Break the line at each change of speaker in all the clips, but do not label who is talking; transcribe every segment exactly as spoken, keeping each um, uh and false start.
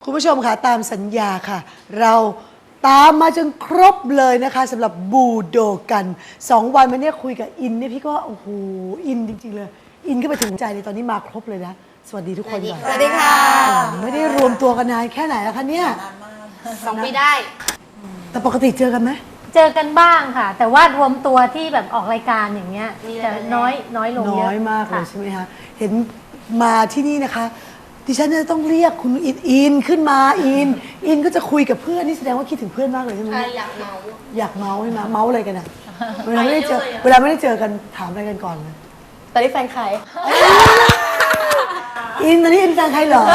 คุณผู้ชมค่ะตามสัญญาค่ะเราตามมาจนครบเลยนะคะสำหรับบูโดกันสองวันมาเนี่ยคุยกับอินเนี่ยพี่ก็โอ้โหอินจริงๆเลยอินก็ไปถึงใจเลยตอนนี้มาครบเลยนะสวัสดีทุกคนก่อน
สวัสดีค่ะ
ไม่ได้รวมตัวกันนานแค่ไหนแล้วคะเนี่ย
สองปีได้
แต่ปกติเจอกันไหม
เจอกันบ้างค่ะ แต่ว่ารวมตัวที่แบบออกรายการอย่างเงี้ยจะน้อยน้อยลงเย
น้
อะ
อยมากเลย
ค่ะ
ใช่ไหมคะเห็นมาที่นี่นะคะดิฉันจะต้องเรียกคุณอินอินขึ้นมาอินอินก็จะคุยกับเพื่อนนี่แสดงว่าคิดถึงเพื่อนมากเลยใช่ไหม
ใครอยากเมา
อยากเมาใช่ไหมเมาอะไรกันอ่ะเวลาไม่ได้เจอเวลาไม่ได้เจอกันถามอะไรกันก่อนเลย
ตอนนี้แฟนใคร
อินตอนนี้อินแฟนใครเหรอ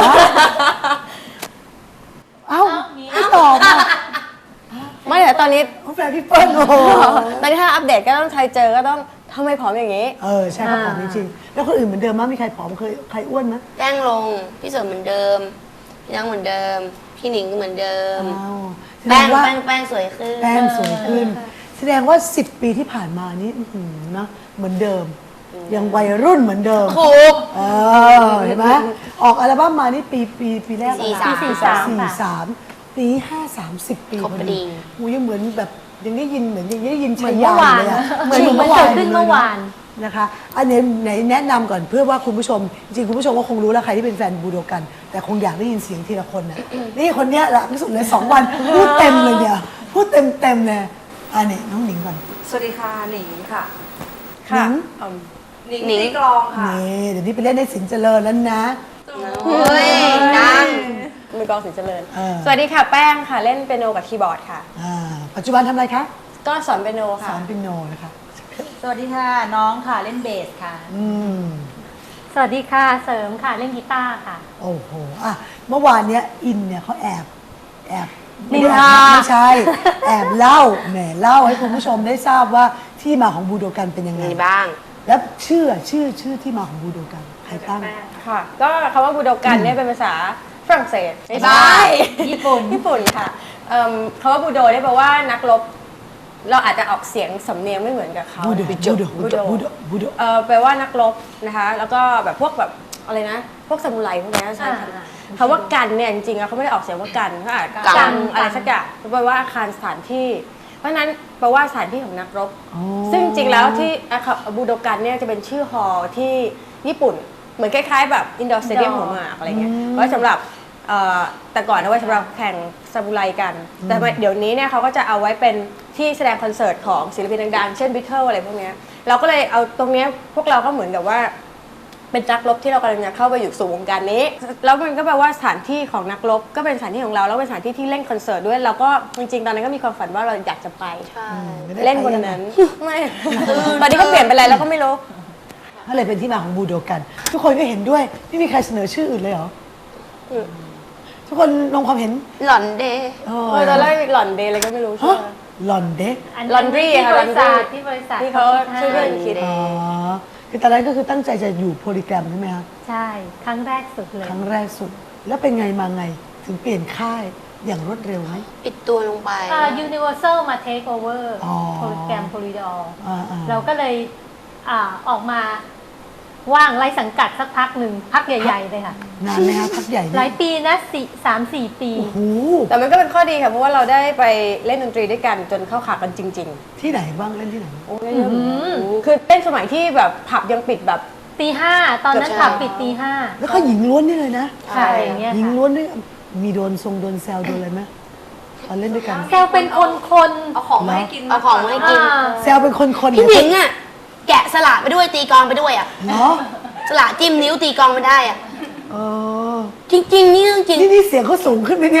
เอ้าไม่ตอบอ่ะ
ไม่แต่ตอนนี้
เขาแฟนพี่เปิ้ลโอ้โห
ตอนนี้ถ้าอัปเดตก็ต้องใครเจอก็ต้องทำไมผอมอย่างนี้
เออใช่เขาผอมจริงๆแล้วคนอื่นเหมือนเดิมมั้ยมีใครผอมเคยใครอ้วนมั้ย
แป้งลง พี่เสริมเหมือนเดิม พี่นังเหมือนเดิม พี่หนิงก็เหมือนเดิม
อ้าวแสด
แป้
ง
ง
ว่า
แป้งแป้งสวยขึ้น
แป้งสวยขึ้น แสดงว่าสิบปีที่ผ่านมานี่อื้อหือนะเหมือนเดิม ยังวัยรุ่นเหมือนเดิม
ถูก
เออเห็นไหมออกอัลบั้มมานี่ปีปีปีแรก
สี่
อะไร
สาม
สี่สาม
สี่
ค่ะ
สามปีห้าสามสิบปี
ครบพอดี
หูยังเหมือนแบบยังได้ยินเหมือนยังได้ยิน
เหมื
ชั
อน
ย
เมื่
ยา
อวาน
เลยอะ
เหมือนเหมือนเกิดขึ้นเมื่อวาน
นะคะอันนี้ไหนแนะนำก่อนเพื่อว่าคุณผู้ชมจริงๆคุณผู้ชมก็คงรู้แล้วใครที่เป็นแฟนบูโดกัน แต่คงอยากได้ยินเสียงทีละคนนะนี่คนเนี้ยหลักที่สุดเลยสองวันพูดเต็มเลยเนี่ยพูดเต็มเต็มๆเลยอันนี้น้องหนิงก่อน
สวัสดีค่ะ หนิงค่ะ
หนิง
เอิ่มหนิง
หนิง
ตีกลองค่ะ
นี่เดี๋ยวนี้ไปเล่นในสินเจริญแล้วนะ
เฮ้ยดัง
มือกลองสินเจริญ
เออ
สวัสดีค่ะแป้งค่ะ เล่นเปียโนกับคีย์บอร์ดค่ะ
อ่าปัจจุบันทำอะไรคะ
ก็สอนเปียโน
ส
ค่ะ
อนเปียโนนะคะ
สวัสดีค่ะ น้องค่ะ เล่นเบสค่ะ
อืม
สวัสดีค่ะเสริมค่ะเล่นกีตาร์ค่ะ
โอ้โหอ่ะเมื่อวานเนี้ยอินเนี่ยเขาแอบแอบ
นินทา
ไม่ใช่ แอบเล่าแหมเล่าให้คุณผู้ชมได้ทราบว่าที่มาของบูโดกันเป็นยังไง
มีบ้าง
แล้วชื่อชื่อชื่อที่มาของบูโดกันใครตั้ง
ค่ะ ก็คำว่าบูโดกันเนี่ยเป็นภาษาฝรั่งเศสไม่ใช่
ญี่ปุ่น
ญี่ปุ่นค่ะเอิ่มคำว่าบูโดเนี่ยแปลว่านักรบ เราอาจจะออกเสียงสำเนียงไม่เหมือนกับเขา
บูโด
นะคะ
บูโดบูโดบูโดบูโด
เออแปลว่านักรบนะคะ แล้วก็แบบพวกแบบอะไรนะ พวกซามูไรพวกเนี้ยใช่ค่ะ
อ่า
คำว่ากันเนี่ยจริงๆแล้วเขาไม่ได้ออกเสียงว่ากันเขาอาจ
กั
กัน นอะไรสักอย่างแปลว่าอาคารสถานที่ เพราะฉะนั้นแปลว่าสถานที่ของนักรบ
อ๋อ
ซึ่งจริงๆแล้วที่อาคาบูโดกันเนี่ยจะเป็นชื่อฮอลล์ที่ญี่ปุ่น เหมือนคล้ายๆแบบอินดอร์สเตเดียมหัวหมากอะไรเงี้ยไว้สำหรับเอ่อแต่ก่อนเอาไว้สำหรับแข่งซามูไรกัน แต่เดี๋ยวนี้เนี่ยเขาก็จะเอาไว้เป็นที่แสดงคอนเสิร์ตของศิลปินดังๆ เช่นบิทเทิลอะไรพวกเนี้ยเราก็เลยเอาตรงเนี้ยพวกเราก็เหมือนกับว่า เป็นนักรบที่เรากำลังจะเข้าไปอยู่สู่วงการนี้ แล้วมันก็แปลว่าสถานที่ของนักรบก็เป็นสถานที่ของเราแล้วเป็นสถานที่ที่เล่นคอนเสิร์ตด้วยเราก็จริงๆตอนนั้นก็มีความฝันว่าเราอยากจะไป
ใช่
ไม่ได้
เล่นบน
ไปยังไง
นั้น ไม่ ตอนนี้ก็เปลี่ยนไปอะไรแล้วก็ไม่รู้
ก็เลยเป็นที่มาของบูโดกัน ทุกคนก็เห็นด้วยไม่มีใครเสนอชื่ออื่นเลยเหรอทุกคนลงความเห็น
หล่อนเดย์
เอ
เออตอนแรกหล่อนเดย์อะไรก็ไม่รู้ใช่
ฮะ
ไหม
หลอนเด็ก
อัน
Laundry
ที่
ค่ะ
บริษัท
Laundry
ที่บริษัท
ที่เขาช่วยเพื่อนคิด
อ๋อคือตอนนั้นก็คือตั้งใจจะอยู่โพลีแกรมใช่ไหมคะ
ใช่ครั้งแรกสุดเลย
ครั้งแรกสุด แล้วเป็นไงมาไงถึงเปลี่ยนค่ายอย่างรวดเร็วไหม
ปิดตัวลงไป
อ่า Universal มา take over
อ๋อ
โปรแกรม Polydor
อ่าๆ
เราก็เลยอ่าออกมาว่างไร้สังกัดสักพักหนึ่งพักใหญ่ ๆ เลยค่ะ
นานไหมคะพักใหญ่
หลายปีนะสี่สามสี่ปี
โอ้โห
แต่มันก็เป็นข้อดีค่ะเพราะว่าเราได้ไปเล่นดนตรีด้วยกันจนเข้าขากันจริง
ที่ไหนบ้างเล่นที่ไหน
ๆโอ้ยเยอะมากคือเล่นสมัยที่แบบผับยังปิดแบบ
ตีห้าตอนนั้น
เกือบ
ผับ
เช้า
ปิดตีห้า
แล้วก็หญิงล้วนนี่เลยนะ
ใช่อย่างเงี้ย
หญิง
ค่ะ
ล้วนด้วยมีโดนทรงโดนแซวโดนอะไรไหมตอนเล่นด้วยกัน
แซวเป็นคนคน
เอาของมาให้กิน
เอาของมาให้กิน
อ่า
แซวเป็นคนๆ
พี่หนิงอ่ะ แกะสลักไปด้วยตีกลองไปด้วยอ่ะ
เนาะ
สลักจิ้มนิ้วตีกลองไม่ได้อ่ะ
เออ
จริงๆนี่เรื่องจริง
นี่นี่เสียงเขาสูงขึ้นไหมเนี่ย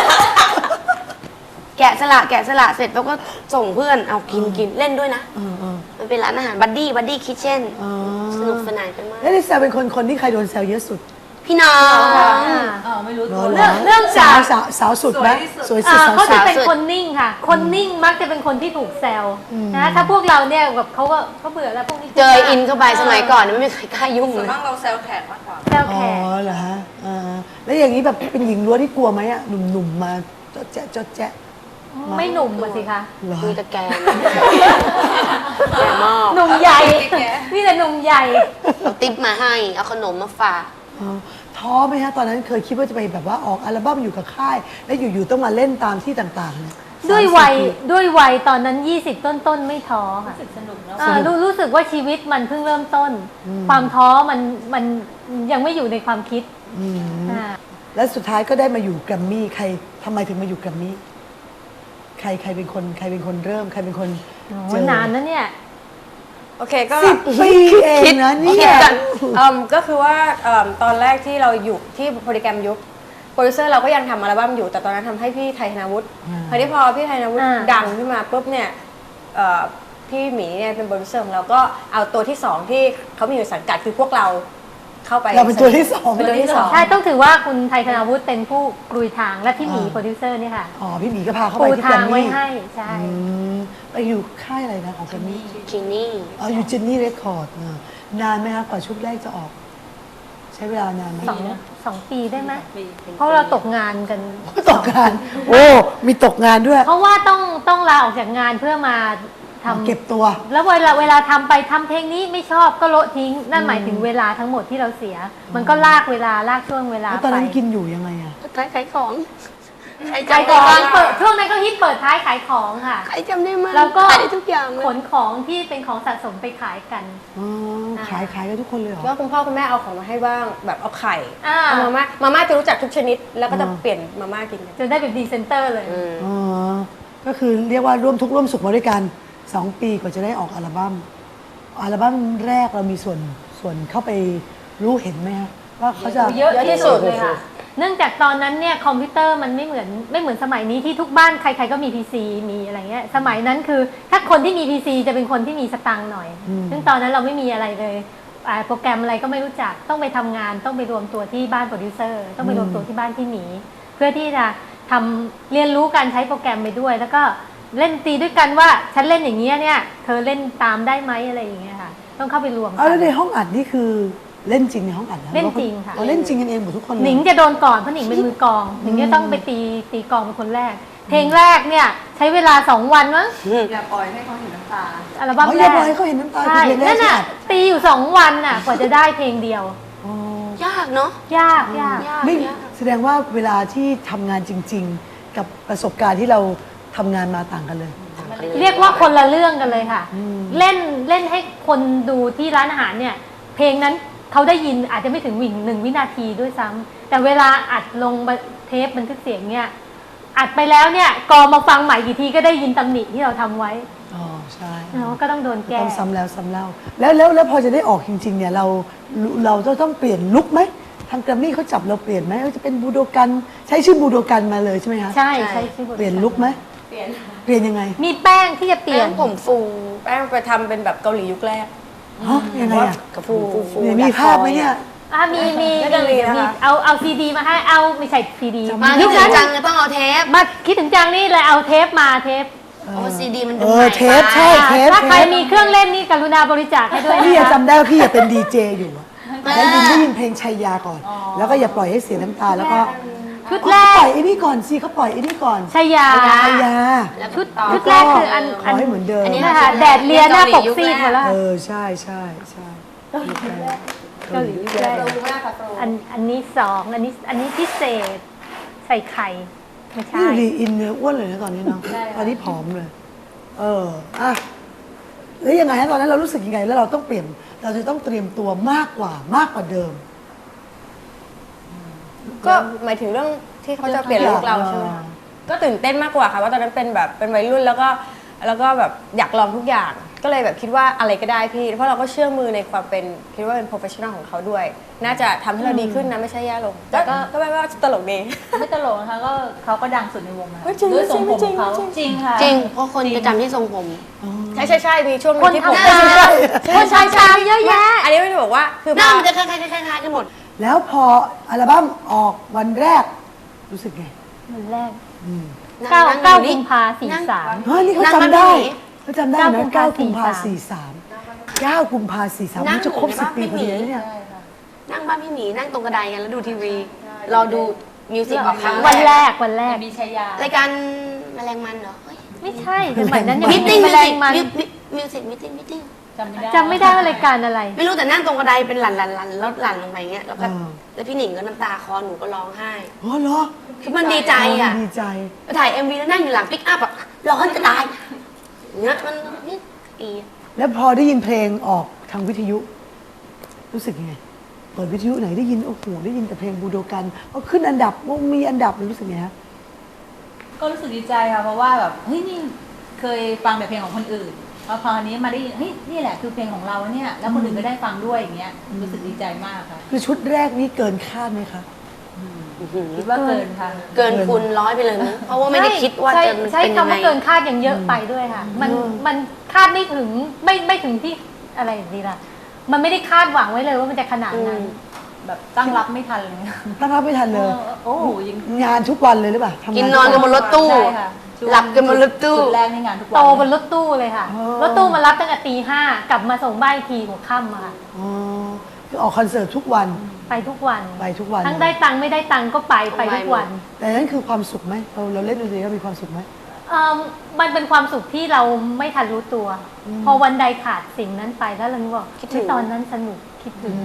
แกะสลักแกะสลักเสร็จแล้วก็ส่งเพื่อนเอากินกินเล่นด้วยนะ
เออเออ
มันเป็นร้านอาหารบัดดี้บัดดี้คิทเช่น
อ๋อ
สนุกสนานกันมาก
แล้วนี่แซวเป็นคนคนที่ใครโดนแซวเยอะสุด
พี่น้อง
อ่า
เออไม่รู้
เหร
ตั
อ
ว
เหร
เรื่องเรื่อง
สา
จาว ก
สาวสาวสุดไหมสวยสุด
อ่า
สาว
เขา
สุ
จะ
ด
เป็นคนนิ่งค่ะ คนนิ่งมักจะเป็นคนที่ถูกแซวนะถ้าพวกเราเนี่ยแบบเขาก็เขาเบื่อแล้วพวกนี้
เจออินเข้าไปสมัยก่อนไม่มีใครกล้ายุ่ง
ส่
เล
วน
ย
มากเราแซวแขกมากกว่า
แซว
อ๋
แข
อก เหรอฮะอ่าแล้วอย่างนี้แบบเป็นหญิงล้วนที่กลัวไหมอ่ะหนุ่มๆมาจดแจ๊ะจดแจ๊ะ
ไม่หนุ่มมาสิคะ
เหรอ
คุยตะแกรงแกมาก
หนุ่มใหญ่ นี่แต่หนุ่มใหญ่
เอาติ๊บมาให้ เอาขนมมาฝาก
อ๋อทท้อไหมฮะตอนนั้นเคยคิดว่าจะไปแบบว่าออกอัลบั้มอยู่กับค่าย แล้วอยู่ๆต้องมาเล่นตามที่ต่างๆเนี่ย
ด้วยวัย
สามสิบปี
ด้วยวัยตอนนั้นยี่สิบต้นๆไม่ท้อค่ะ
รู้สึกสนุกแล้ว
อ่ารู้รู้สึกว่าชีวิตมันเพิ่งเริ่มต้น ความท้อมันมันยังไม่อยู่ในความคิด
อืม
อ่า
แล้วสุดท้ายก็ได้มาอยู่แกรมมี่ใครทำไมถึงมาอยู่แกรมมี่ใครใครเป็นคนใครเป็นคนเริ่มใครเป็นคน
โอ้
เจอ
นานนะเนี่ย
โอเคก็
สิบปีเองนะเนี่
คิด
ย
กันเอิ่มก็คือว่าเอิ่มตอนแรกที่เราอยู่ที่โปรแกรมยุคโปรดิวเซอร์เราก็ยังทำอัลบั้มอยู่แต่ตอนนั้นทำให้พี่ไทยธนาวุฒิ
อ่า
คราวนี้พอพี่ไทยธนาวุฒิ
อ่า
ดังขึ้นมาปุ๊บเนี่ยเอ่อพี่หมีเนี่ยเป็นโปรดิวเซอร์ของเราก็เอาตัวที่สองที่เขามีอยู่สังกัดคือพวกเราเข้าไป
เราเป็นตัวที่สอง
เป็นตัวที่สอง
ใช่ต้องถือว่าคุณไทยธนาวุฒิเป็นผู้กลุยทางและพี่หมี
อ่า
โปรดิวเซอร์เนี่ยค่ะ
อ๋อพี่หมีก็พาเข้าไป
ปู
ที่แกร
ทาง
ม
ไว้
มี่
ให้ใช่
อืมไปอยู่ค่ายอะไรนะของแกรมมี่
จินนี่
อ๋ออยู่เจนนี่เรคคอร์ดนานไหมคะกว่าชุดแรกจะออก ใช้เวลานานไหม
สองสองปีได้ไหม
ปี
เพราะเราตกงานกัน
ตกงาน โอ้มีตกงานด้วย
เพราะว่าต้องต้องลาออกจากงานเพื่อมาทำ
เก็บตัว
แล้วเวลาเวลาทำไปทำเพลงนี้ไม่ชอบก็โละทิ้ง นั่นหมายถึงเวลาทั้งหมดที่เราเสีย มันก็ลากเวลาลากช่วงเวลา
แล้ว
ไป
ตอนนั้นกินอยู่ยังไงอะ
ขายขายของใคร
ขาย
จำ
ข
ได้
อง
บ้าง
เปิดช่วงนั้นก็ฮิตเปิดท้ายขายของค่ะ
ใครจำได้มั้ง
แล้วก็
ขายได้ทุกอย่างเลย
ขนของที่เป็นของสะสมไปขายกัน
อ๋อขายขายกันทุกคนเลยเหรอ
แล้วคุณพ่อคุณแม่เอาของมาให้บ้างแบบเอาไข่
อ่า
เอามาม่ามาม่าจะรู้จักทุกชนิด แล้วก็จะ
อ่า
เปลี่ยนมาม่ากินกัน
จนได้เป็นพรีเซนเตอร์เลย
อืม
อ๋อก็คือเรียกว่าร่วมทุกข์ร่วมสุขมาด้วยกันสองปีกว่าจะได้ออกอัลบั้มอัลบั้มแรกเรามีส่วนส่วนเข้าไปรู้เห็นไหมฮะว่าเขาจะ
เยอะ
เยอะที่สุด
เลยค่ะ เนื่องจากตอนนั้นเนี่ยคอมพิวเตอร์มันไม่เหมือนไม่เหมือนสมัยนี้ที่ทุกบ้านใครๆก็มี พี ซี มีอะไรเงี้ย สมัยนั้นคือถ้าคนที่มี พี ซี จะเป็นคนที่มีสตังค์หน่อย ซึ่งตอนนั้นเราไม่มีอะไรเลยอ่าโปรแกรมอะไรก็ไม่รู้จัก ต้องไปทำงาน ต้องไปรวมตัวที่บ้านโปรดิวเซอร์ ต้องไปรวมตัวที่บ้านที่หมี เพื่อที่จะทำเรียนรู้การใช้โปรแกรมไปด้วย แล้วก็เล่นดนตรีด้วยกันว่าฉันเล่นอย่างเงี้ยเนี่ย เธอเล่นตามได้ไหมอะไรอย่างเงี้ยค่ะ ต้องเข้าไปรวมกั
เอาแล้วในห้องอัดนี่คือเล่นจริงในห้องอัดหอ
เล่นจริงค่ะ
อ๋อเล่นจริงกันเองหมดทุกคนเลย
หนิงจะโดนก่อนเพราะหนิงเป็นมือกลองหนิงจะต้องไปตีตีกลองเป็นคนแรก เพลงแรกเนี่ยใช้เวลาสองวันมั้ง
อย่าปล่อยให้เขาเห็นน้ำตา
อัลบั้ม
อ๋ออ
แร
ย่าก บอกให้เขาเห็นน้ำตา
ใช่
คือเพลงแร
นั่
ก
น
ที่
น่ะ
อัด
ตีอยู่สองวันน่ะกว่าจะได้เพลงเดียว
อ๋อ
ยากเนาะ
ยากยาก
ยาก
ไม่
ยาก
แสดงว่าเวลาที่ทำงานจริง ๆ กับประสบการณ์ที่เราทำงานมาต่างกันเลย
เรียกว่าคนละเรื่องกันเลยค่ะ เล่นเล่นให้คนดูที่ร้านอาหารเนี่ย เพลงนั้นเขาได้ยินอาจจะไม่ถึงวิ่งหนึ่งวินาทีด้วยซ้ำแต่เวลาอัดลงเทปบันทึกเสียงเนี่ยอัดไปแล้วเนี่ยกอมาฟังใหม่กี่ทีก็ได้ยินตำหนิที่เราทำไว้
อ๋อใช่
เนาะก็ต้องโดนแก้
ต้องซ้ำแล้วซ้ำเล่าแล้วแล้วแล้วพอจะได้ออกจริง ๆ เนี่ยเราเราจะต้องเปลี่ยนลุคไหมทางแกรมมี่เขาจับเราเปลี่ยนไหมว่าจะเป็นบูโดกันใช้ชื่อบูโดกันมาเลยใช่ไหมคะ
ใช่ใช่ใช่
เปลี่ยนลุคไหม
เปลี่ยน
เปลี่ยนยังไง
มีแป้งที่จะเปลี่ยน
แป้งผมฟู
แป้งไปทำเป็นแบบเกาหลียุคแรก
ฮะยังไงอ่ะ
กับฟูฟูฟู
เนี่ยมีภาพไหมเนี่ย
อ่ะมีมี
น่าจะมีนะคะ
มีเอาเอาซีดีมาให้เอาไม่ใช่ซีดี
จำ
มา
ไ
ที่
ยุค
จริ
นั้
ง
น
จังจะต้องเอาเทป
มาคิดถึงจังนี่เลยเอาเทปมาเทป
โอ้ซีดีมันดู
เอ
ให
อ
ม่
เทป
ไป
ใช่ เทป
ถ้าใครมีเครื่องเล่นนี่กรุณาบริจาคให้ด้วย
พี่
นะ
ยัง
คะ
จำได้ว่าพี่ยังเป็นดีเจอยู่อะได้ยินได้ยินเพลงชัยยาก่อน แล้วก็อย่าปล่อยให้เสียน้ำตาแล้วก็
ชุด
อ๋อ
แร
เขาป
ก
ล่อยไอ้นี่ก่อนสิเขาปล่อยไอ้นี่ก่อน
ชายา
ชัยยา
ชุดชุดแรกคืออัน
ขอให้เหมือนเดิม
อันนี้
นะคะแดดเลียหน้าปกซีดหมดแล้ว
เออใช่ใช่ใช่ยุคแรก
เกาหลียุคแรก
โปรมากค่ะโปร
อันอันนี้สองอันนี้อันนี้พิเศษใส่ไข่ไม่ใช่
นี่ดูดีอินเนื้ออ้วนเลยนะตอนนี้เนาะตอนนี้ผอมเลย เอออ่ะแล้วยังไงฮะตอนนั้นเรารู้สึกยังไง แล้วเราต้องเปลี่ยนเราจะต้องเตรียมตัวมากกว่ามากกว่าเดิม
ก็หมายถึงเรื่องที่เขาจะเปลี่ยนลุคเราใช่ไหมคะก็ตื่นเต้นมากกว่าค่ะว่าตอนนั้นเป็นแบบเป็นวัยรุ่นแล้วก็แล้วก็แบบอยากลองทุกอย่าง ก็เลยแบบคิดว่าอะไรก็ได้พี่ เพราะเราก็เชื่อมือในความเป็นคิดว่าเป็น professional ของเขาด้วย น่าจะทำให้เราดีขึ้นนะไม่ใช่แย่ลง
แต่ก็
ก็แปลว่าตลกดี
ไม่ตลกนะคะก็เขาก็ดังสุดในวงนะ
ไม่จริง
ด้วยทรงผม
ไม่จริง
ของเขา
ไม่จริง
จริงค่ะ
จริง เพราะคนจะจำที่ทรงผม
ใช่ใช่ใช่มีช่วงหนึ
คน
งที่ผม
ทำงานคนชายชายเยอะแยะ
อันนี้ไม่ได้บอกว่าคือ
ห
พ
น้า
อ
มันจะคล้ายๆคล้ายๆกันหมด
แล้วพออัลบั้มออกวันแรก รู้สึกไง
วันแรก
อืม
เก้า
นั่ง
เก้า
อยู่นี่
กุมภาสี่สาม
เฮ้ยนี่เขา
นั่ง
จำได้
บ้านพี่หมี
เขาจำได้
เก้า
นะ
กุมภา
เก้ากุมภา
สี่
สี่
สา
สาม มเก้ากุมภาสี่สาม
นั่ง
มันจะครบ
อยู่
สิบ
ใน
ปีพอดี
บ้านพี่หมี
แล้วเนี่ย
นั่งบ้านพี่หมีนั่งตรงกระไดกันแล้วดูทีวีรอดูมิวสิกออกครั้ง
วัน
แร
แร
ก
กวันแรก
มีชายาร
ายการแมลงมันเหรอเฮ้ย
ไม่ใช่สมัยนั้นยัง
มิ
ไม่
ทติ้
มี
ง
แม
มิว
ล
สิ
ง
ก
มัน
มิวสิกมิทติ้งมิทติ้ง
จำไม่ได้
จำไม่ได้ว่ารายการอะไร
ไม่รู้แต่นั่งตรงกระไดเป็นหลั่นหลั่นหลั่นแล้วหลั่นลงไปอย่างเงี้ยแล้วก็
อ่า
แล้วพี่หนิงก็น้ำตาคลอหนูก็ร้องไห้
อ๋อเหรอ
คือมันดีใจอ่ะ
ดีใจ
ไปถ่ายเอ็มวีแล้วนั่งอยู่หลังปิกอัพอะร้อนจะตายอย่างเงี้ยมันนี่อี
แล้วพอได้ยินเพลงออกทางวิทยุ รู้สึกยังไง เปิดวิทยุไหนได้ยินโอ้โหได้ยินแต่เพลงบูโดกันพอขึ้นอันดับว่ามีอันดับรู้สึกไงฮะ
ก็รู้สึกดีใจค่ะเพราะว่าแบบเฮ้ยนี่เคยฟังแต่เพลงของคนอื่นพอพออันนี้มาได้ยินเฮ้ยนี่แหละคือเพลงของเราเนี่ยแล้วคนอื่นก็ได้ฟังด้วยอย่างเงี้ยรู้สึกดีใจมากค่ะ
คือชุดแรกนี่เกินคาดไหมคะ
คิดว่าเกินค่ะ
เกินคูณร้อยไปเลยมั้งเพราะว่าไม่ได้คิดว่า
ใช่
จะมัน
ใช้
เป็นยัง
คำ
ไง
ว่าเกินคาดยังเยอะไปด้วยค่ะ มัน
อืม
มันคาดไม่ถึงไม่ไม่ถึงที่อะไรอย่างนี้ล่ะ มันไม่ได้คาดหวังไว้เลยว่ามันจะขนาดนั้น
แบบตั้งรับไม่ทันเลย
ตั้งรับไม่ทันเลย
โอ้โหยัง
งานทุกวันเลยหรือเปล่าทำงา
กินนอนกันบนรถตู้
ใช่ค่ะช่วง
หลับกันบนรถตู้
จุดแรกในงานทุกวัน
โตบนรถตู้เลยค่ะ
อ๋อ
รถตู้มารับตั้งแต่ตีห้ากลับมาส่งบ้านอีกทีหัวค่ำอะค่ะ
อ๋อคือออกคอนเสิร์ตทุกวัน
ไปทุกวัน
ไปทุกวัน
ทั้งได้ตังค์ไม่ได้ตังค์ก็ไปไปทุกวัน
แต่นั่นคือความสุขไหมเราเราเล่นดนตรีแล้วมีความสุขไหม
เอิ่มมันเป็นความสุขที่เราไม่ทันรู้ตัว พอวันใดขาดสิ่งนั้นไปแล้วเราคิดว่า
คิดถึง
ตอนนั้นสนุกคิดถึง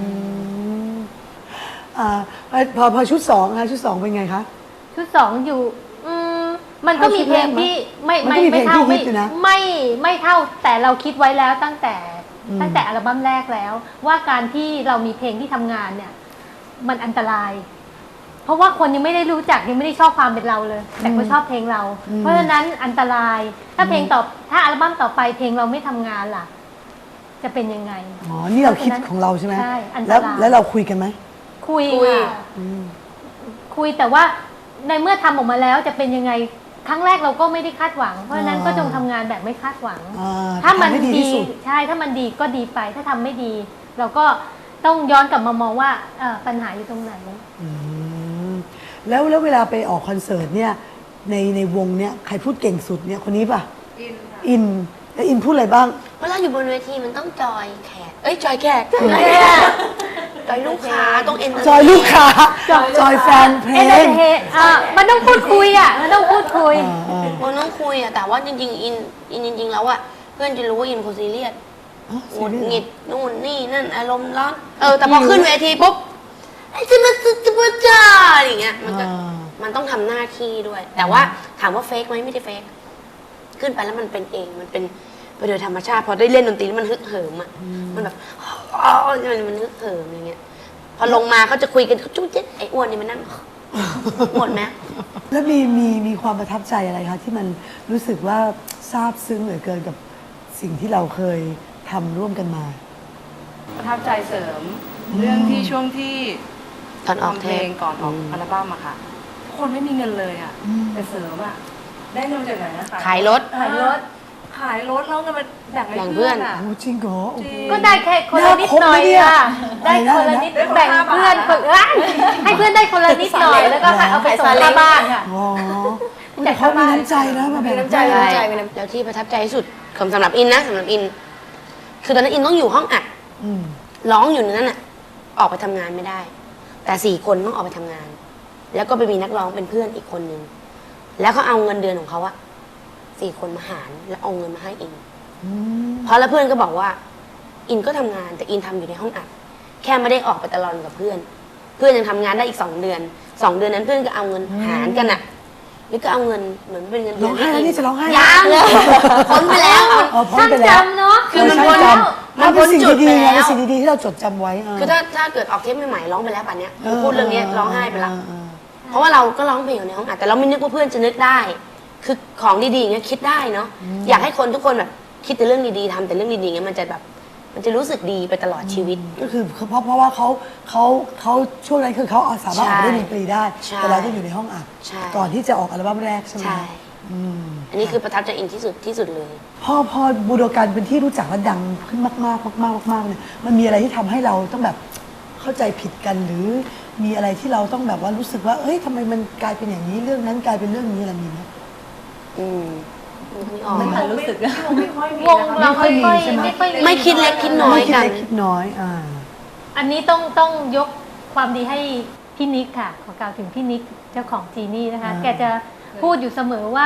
อ่าพอพอชุดสองนะคะชุดสองเป็นไงคะ
ชุดสองอยู่อืมมันก็มีเพลงที่ไม่
มัน
ไม่
ก็มีเพล
ไม่
ง
เท่า
ที่ฮิ
ไม่
ตอยู่นะ
ไม่ไม่เท่าแต่เราคิดไว้แล้วตั้งแต่
อืม
ตั้งแต่อัลบั้มแรกแล้ว ว่าการที่เรามีเพลงที่ทำงานเนี่ย มันอันตราย เพราะว่าคนยังไม่ได้รู้จักยังไม่ได้ชอบความเป็นเราเลย แต่เขาชอบเพลงเรา เพราะฉะนั้นอันตราย ถ้าเพลงต่อถ้าอัลบั้มต่อไปเพลงเราไม่ทำงานล่ะ จะเป็นยังไง
อ๋อนี่เราคิดของเราใช่ไหม
ใช่อันตราย
แล้วแล้วเราคุยกันไหม
คุย
คุย
ค่ะคุยแต่ว่าในเมื่อทำออกมาแล้วจะเป็นยังไงครั้งแรกเราก็ไม่ได้คาดหวัง เพราะฉะนั้น
อ่า
ก็จงทำงานแบบไม่คาดหวัง
อ่า
ถ้ามัน
ทำให้ดี
ดี
ที่สุด
ใช่ถ้ามันดีก็ดีไป ถ้าทำไม่ดี เราก็ต้องย้อนกลับมามองว่าเอ่อปัญหาอยู่ตรงไหน
อืมแล้วแล้วเวลาไปออกคอนเสิร์ตเนี่ยในในวงเนี่ยใครพูดเก่งสุดเนี่ยคนนี้ป่ะ อินแล้วอินพูดอะไรบ้าง
เวลาอยู่บนเวทีมันต้องจอยแขก เอ้ยจอยแขกจอยลูกค้าต้องเอ็น
จอยลูกค้า จอยแฟนเพล
เอ็นเตอง ร์เทนอ่ะมันต้องพูดคุยอ่ะมันต้องพูดคุย
อ่า
มันต้องคุยอะแต่ว่าจริงๆอินอินจริงๆแล้วอะเพื่อนจะรู้ว่าอินโคซีเรียส
อ๋อ
หงุด
ซีเรียส
หงิดนู่นนี่นั่นอารมณ์ร้อนเออแต่พอขึ้นเวทีปุ๊บไอ้จะมาจะมาจ้าอย่างเงี้ยมันก็
อ่า
มันต้องทำหน้าที่ด้วย แต่ว่าถามว่าเฟกไหมไม่ได้เฟกขึ้นไปแล้วมันเป็นเองมันเป็นไปโดยธรรมชาติพอได้เล่นดนตรีแล้วมันฮึกเหิมอะมันแบบอ๋อมันมันฮึกเหิมอย่างเงี้ยพอลงมาเขาจะคุยกันจุ๊บเจ๊ไอ้อ้วนนี่มันนั่งหมดไหม
แล้วมีมีมีความประทับใจอะไรคะที่มันรู้สึกว่าซาบซึ้งเหลือเกินกับสิ่งที่เราเคยทำร่วมกันมา
ประทับใจเสริมเรื่องที่ช่วงที่
ตอนออก
ทำ
เท
เพล
ป
งก่อนออกอัลบั้มอะค่ะทุกคนไม่มีเงินเลยอะแต่เสริมอะได้เงินมาจากไหนนะ
ขายรถ
ขายรถขายรถแล้วเงินมาแบ่ง
แบ่
ให้
งเพื่
เพื่
อ
อน นอะ
โอ้จริงเหรอโอ้โห
ก็ได้แค่คนละนิดหน่อย
น่าคบนะเนี่ย
ค่ะได้คนละนิด
ได้คนละ
แบ่ง
ห้าบาท
เพื่อนคนเอ้ยให้เพื่อนได้คนละนิดหน่อยแล้วก็เอาไปส่งค่าบ้านค่ะ
อ๋อแต่เขามีน้ำใจนะมาแบ่ง
มีน้ำใจมีน้ำใจมีน้ำใจแล้วที่ประทับใจที่สุดของสำหรับอินนะสำหรับอิน คือตอนนั้นอินต้องอยู่ห้องอัด
อืม
ร้องอยู่ในนั้นน่ะ ออกไปทำงานไม่ได้ แต่สี่คนต้องออกไปทำงาน แล้วก็ไปมีนักร้องเป็นเพื่อนอีกคนนึงแล้วเขาเอาเงินเดือนของเขาอะสี่คนมาหารแล้วเอาเงินมาให้อิน
อืม
เพราะแล้วเพื่อนก็บอกว่า อินก็ทำงานแต่อินทำอยู่ในห้องอัดแค่ไม่ได้ออกไปตลอดกับเพื่อน เพื่อนยังทำงานได้อีกสองเดือนสองเดือนนั้นเพื่อนก็เอาเงินหารกันอะแล้วก็เอาเงินเหมือนเป็นเงินเดื
ร้องไห้แล้วนี่จะร้องไห้
ยังพ้นไปแล้ว
เออพ้น
ช่าง
ไปแล้ว
จำเนาะ
คือมัน
เช่าง
พ้น
จ
แล้ว
ำมันเป็นสิ่งดีๆ
มันพ้นจุดไปแล้
นะ
ว
เป็นสิ่งดีๆที่เราจดจำไว้เ
คือถ้าถ้าเกิดออกเทปใหม่ๆร้องไปแล้วป่านเนี้ยคือพูดเรื่องนี้ร้องไห้ไปละ
เออ
เพราะว่าเราก็ร้องเพลงอยู่ในห้องอัดแต่เราไม่นึกว่าเพื่อนจะนึกได้ คือของดีๆอย่างเงี้ยคิดได้เนาะอยากให้คนทุกคนแบบคิดแต่เรื่องดีๆทำแต่เรื่องดีๆอย่างเงี้ยมันจะแบบมันจะรู้สึกดีไปตลอดชีวิต
ก็คือเพราะเพราะว่าเขาเขาเขาช่วงนั้นคือเขาสามารถออกไปเล่นดนตรีได้
ใช่
แต่เราต้องอยู่ในห้องอัด
ใช่
ก่อนที่จะออกอัลบั้มแรกใช่ไหม
ใช่
อืม
อันนี้คือประทับใจอินที่สุดที่สุดเลย
พอพอบูโดกันเป็นที่รู้จักและดังขึ้นมากๆมากๆมากๆเนี่ยมันมีอะไรที่ทำให้เราต้องแบบเข้าใจผิดกันหรือมีอะไรที่เราต้องแบบว่ารู้สึกว่า เอ้ยทำไมมันกลายเป็นอย่างนี้เรื่องนั้นกลายเป็นเรื่องนี้อะไรมีไหม
อืมไม่ออก
ไม่ทันรู้สึก
ไม่ค่อยมี
วงเรา
ไม่
ไม่
ค่
ค่
อ
อย ย
มีใช่ไหม
ไม่ค่อย
ไม่คิดเล็กคิดน้อย
ไม่คิด
กัน
เล็กคิดน้อยอ่า
อันนี้ต้องต้องยกความดีให้พี่นิกค่ะ ขอกล่าวถึงพี่นิกเจ้าของจีนี่นะคะ
อ่า
แกจะพูดอยู่เสมอว่า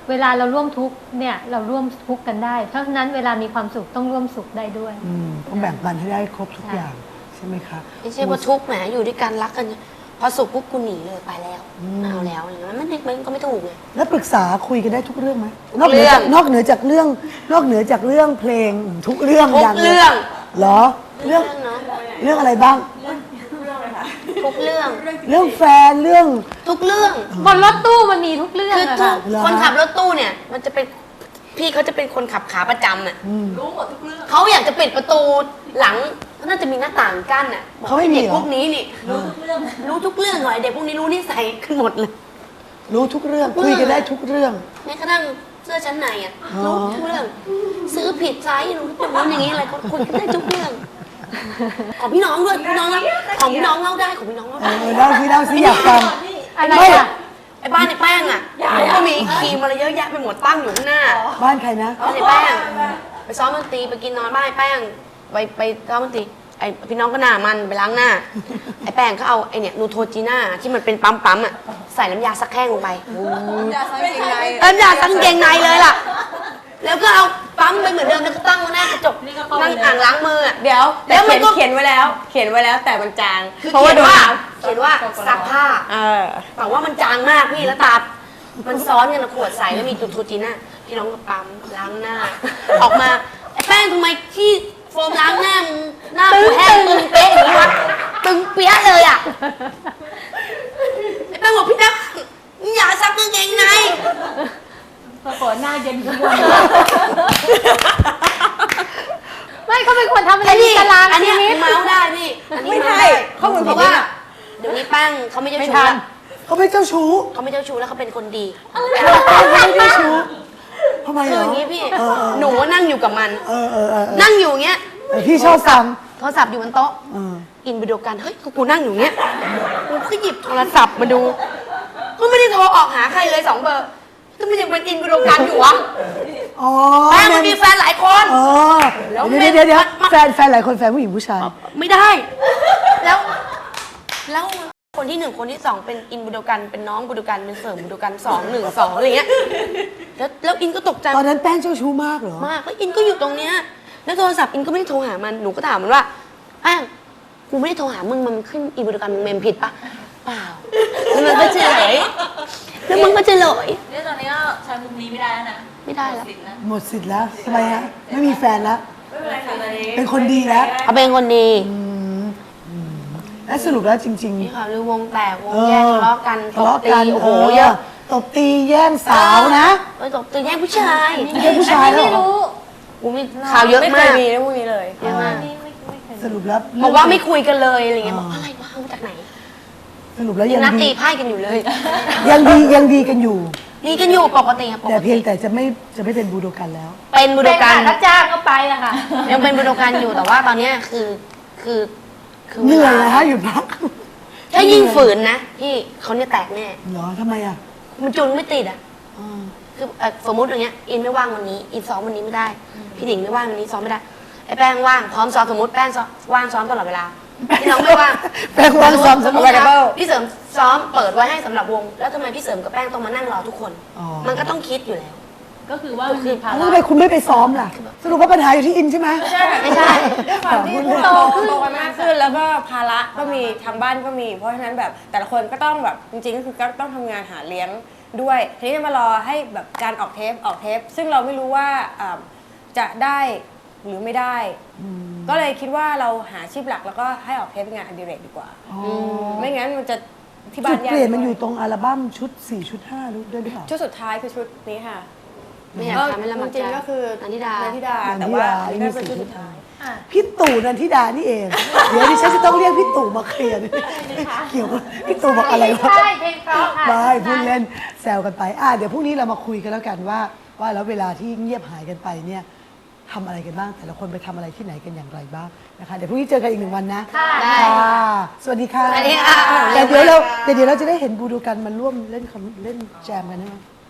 เวลาเราร่วมทุกข์เนี่ยเราร่วมทุกข์กันได้ เพราะฉะนั้นเวลามีความสุขต้องร่วมสุขได้ด้วย
อืมต้องแบ่งปันให้ได้ครบทุก
ใช่
อย่างใช่ไหมคะ
ไม่ใช่ว่าทุกข์แหมอยู่ด้วยกันรักกัน พอสุขปุ๊บกูหนีเลยไปแล้วไม่เอาแล้วอะไรเงี้ยมันไม่มันก็ไม่ถูกไง
แล้วปรึกษาคุยกันได้ทุกเรื่องไหม
ทุก
นอกเหนือจาก
เรื่อง
นอกเหนือจากเรื่อง นอกเหนือจากเรื่องเพลงทุกเรื่อง
ทุก
ย่างลย
เรื่อง
เหรอเรื่อง
เนาะ
เรื่องอะไรบ้าง
ทุกเรื่อง
เรื่องแฟนเรื่อง
ทุกเรื่อง
บนรถตู้มันมีทุกเรื่อง
คือ
อะ
ทุ
ค่ะ
ก
เหรอ
คนขับรถตู้เนี่ย มันจะเป็นพี่เขาจะเป็นคนขับขาประจำอ่ะ
รู้หมดทุกเรื่อง
เขาอยากจะปิดประตูหลังน่าจะมีหน้าต่างกั้นอ่ะบอก
เขาไม่มี
เด็ก
เหรอ
พวกนี้นี่รู้ทุกเรื่องรู้ทุกเรื่องหน่อยเด็กพวกนี้รู้นิสัยกันหมดเลย
รู้ทุกเรื่องคุยกันได้ทุกเรื่อง
แม้กระทั่งเสื้อชั้นในอ่ะ
อ๋อ
รู้ทุกเรื่อง ซื้อผิดไซส์รู้ทุกเรื่องอย่างนี้อะไรก็คุยกันได้ทุกเรื่อง ของพี่น้องด้วยพี่น้องเล่าของพี่น้องเล่าได้ของพี่น้องเล่า
เอ
ได้
อเล่าสิเล่าสิอยากฟัง
อะไร
ไม่
อะ
ไอ้บ้านในแป้งอ่ะเขาก็มีครีมอะไรเยอะแยะไปหมดตั้งอยู่ข้างหน้า
บ้านใครนะ
บ้านในแป้งไปซ้อมดนตรีไปกินนอนบ้านไอ้แป้งไปไปซ้อมดนตรีไอ้พี่น้องก็หน้ามันไปล้างหน้า ไอ้แป้งเขาเอาไอ้เนี่ยนูโทจีน่าที่มันเป็นปั๊มปั๊มๆอ่ะใส่น้ำยาซักแห้งลงไป
อย่าใส่เกงใน
น้ำยาซักกางเกงในเลยล่ะ แล้วก็เอาปั๊มไปเหมือนเดิมแล้วก็ตั้งไว้หน้ากระจกนั่งอ่างล้างมืออ่ะ
เดี๋ยว
แล้
แล้ว ว
มั
มัน น
ก็
เขียนไว้แล้ว เขียนไว้แล้วแต่มันจาง
คือ
เพราะว่า
เขีย
โด
น
น
ว่า
น้
เขียนว่าซักผ้า
ำเออ
แต่ว่ามันจางมากพี่แล้วตา มันซ้อนกันนะขวดใสแล้วมีตูทูจีน่าพี่น้องก็ปั๊มล้างหน้า ออกมาไอ้แป้งทำไมที่โฟมล้างหน้ามึงหน้ากูแห้งตึงเป๊ะอย่างนี้วะตึงเปี้ยะเลยอ่ะไอ้แป้งบอกพี่นักอย่าซักกางเกงใน
ปรากฏหน้าเย็นขึ้นบน
ไม่เขาเป็นคนทำอะไร
ไอ้
มี
นี่
ตาราง
อัน
ชี
เนี้ย
วิต
เมาส์ได้พี่อันนี้
ไม่
เมา
ใช่
ส์ได้
ข้อมูล
เพ
ผิด
ราะว่า
เนี่ย
เดี๋ยวนี้แป้งเขาไม่เจ้า
ไม่
ชู้
ทัน
ละ
เขาไม่เจ้าชู้
เขาไม่เจ้าชู้แล้วเขาเป็นคนดี
เขาไม่เจ้าชู้ทำไม
คือ
เหร
อ
อย่าง
นี้พี่
เออเออ
หนูนั่งอยู่กับมัน
เออเออเออเออ
นั่งอยู่อย่างเงี้ย
แต่พี่ชอบฟัง
โทรศัพท์อยู่บนโต๊ะ
เออ
อินไปดูกัน เฮ้ย กูนั่งอยู่เงี้ย กูก็หยิบโทรศัพท์มาดู ก็ไม่ได้โทรออกหาใครเลยสองเบอร์ก็มันยังเป็นอินไปดูกันอยู่วะ
อ๋อ
แป้งมันมีแฟนหลายคน
เออ
แล้ว
เดี๋ยวเดี๋ยวเดี๋ยว
มัน
แฟนแฟนหลายคนแฟนผู้หญิงผู้ชาย
ไม่ได้ แล้ว แล้วคนที่หนึ่งคนที่สองเป็นอินบูโดกัน เป็นน้องบูโดกัน เป็นเสริมบูโดกันสองหนึ่งสองอะไรเงี้ย แล้วแล้วอินก็ตกใจ
ตอนนั้นแป้งเจ้าชู้มากเหรอ
มากแล้วอินก็อยู่ตรงเนี้ยแล้วโทรศัพท์อินก็ไม่ได้โทรหามัน หนูก็ถามมันว่าแป้งกูไม่ได้โทรหามึง มันขึ้นอินบูโดกันมึงเมมผิดปะเปล่า แล้วมันก็เฉลยแล้วมันก็เฉลย
เนี่ยตอนนี้ก็ใช้มุมนี้ไม่ได้แล้วนะ
ไม่ได้แล้ว
สิทธิ์นะ
หมดสิทธิ์แล้วทำไมฮะไม่มีแฟนแล้ว
ไม่เป็นไรค่ะตอนนี้
เป็นคนดีแล้ว
เขาเป็นคนดี
และสรุปแล้วจริง
นี่ค่ะหรือวงแตกว
ๆ
งแยกทะเลาะกัน
ทะเลาะ
ตบตี
กัน
โอ้โหเยอะ
ตบตีแย่งสาวนะ
เออตบตีแย่งผู้ชาย
แย่งผู้ชายแล้ว
ไม่
เหรอ
รู้
กูมีข่าวเยอะ
ไม่เค
มาย ก
มีเรื่องพวกนี้เลย
เยอะมาก
ไม่ไม่ไม่เคย
สรุปแล้ว
บอกว่าไม่คุยกันเลยอะไรเงี้ย
อ่า
บอกอะไรวะเอามาจากไหน
สรุปแล้ว
ยั
ยัง ง
นัดตี
ดี
ไพ่กันอยู่เลย
ยังดียังดีกันอยู่
ดีกันอยู่ปกติครับป
แต่
ก
เพีย
ติ
งแต่จะไม่จะไม่เป็นบูโดกันแล้ว
เป็นบุโด
เป็น
กั
ค่ะ
น
ถ้าจ้างก็ไปอะค่ะ
ยังเป็นบุโดกันอยู่แต่ว่าตอนเนี้ยคือคือคือ
เหนื่อยนะฮะหยุดพัก
ถ้ายิ่งฝืนนะพี่เขาเนี่ยแตกแน่
เหรอทำไมอ่ะ
มันจุนไม่ติดอ่ะ
อ่า
คือเอ่อสมมติอย่างเงี้ยอินไม่ว่างวันนี้อินซ้อมวันนี้ไม่ได้ พี่หนิงไม่ว่างวันนี้ซ้อมไม่ได้ไอ้แป้งว่างพร้อมซ้อมสมมติแป้งซ้อมว่างซ้อมตลอดเวลาพี่น้องไม่ว่าง
แป้งว่างซ้อม
สมมตินะ
available
พี่เสริมซ้อมเปิดไว้ให้สำหรับวง แล้วทำไมพี่เสริมกับแป้งต้องมานั่งรอทุกคน
อ๋อ
มันก็ต้องคิดอยู่แล้ว
ก็คือว่ามันมีภา
แล้ว
ระ
ทำไมคุณไม่ไปซ้อมล่ะ สรุปว่าปัญหาอยู่ที่อินใช่ไหม
ไม่ใช่
ด้วยความที่โตขึ้นโตกันมากขึ้นแล้วก็ภาระก็มีทางบ้านก็มี เพราะฉะนั้นแบบแต่ละคนก็ต้องแบบจริงๆก็คือก็ต้องทำงานหาเลี้ยงด้วยทีนี้จะมารอให้แบบการออกเทปออกเทป ซึ่งเราไม่รู้ว่าอ่าจะได้หรือไม่ได้ ก็เลยคิดว่าเราหาอาชีพหลักแล้วก็ให้ออกเทปเป็นงานอดิเรกดีกว่า
อ๋อ
ไม่งั้นมันจะที่บ้า
จุ
น
ด
ยาก
เปลี่ยนมันอยู่ตรงอัลบั้มชุดสี่ชุดห้ารู้ด้วยหรือเปล่า
ชุดสุดท้ายคือชุดนี้ค่ะ
ไม่อยากทำให้ลำบาก
จริงๆก็คือ
นันทิดา
นันทิดา
นันทิดา
แต่ว่า
นี่
นี่
มี
ก็เป็น
สี่
ชุด
ชุด
สุดท้าย
พี่ตู่นันทิดานี่เอง เดี๋ยวดิฉันจะต้องเรียกพี่ตู่มาเคลียร์เกี่ยวกับพี่ตู่บอกอะไรวะ
ใช่เพลงเพราะค่ะ
ไม่พูดเล่นแซวกันไปอ่ะเดี๋ยวพรุ่งนี้เรามาคุยกันแล้วกันว่า ว่าแล้วเวลาที่เงียบหายกันไปเนี่ยทำอะไรกันบ้าง แต่ละคนไปทำอะไรที่ไหนกันอย่างไรบ้างนะคะเดี๋ยวพรุ่งนี้เจอกันอีกหนึ่งวันนะ
ค่ะ
ได้
ค่ะสวัสดีค่ะ
สวัสดีค่ะ
แต่เดี๋ยวเราแต่เดี๋ยวเราจะได้เห็นบูดูกันมาร่วมเล่นคอนเล่นแจมกันใช่ไหม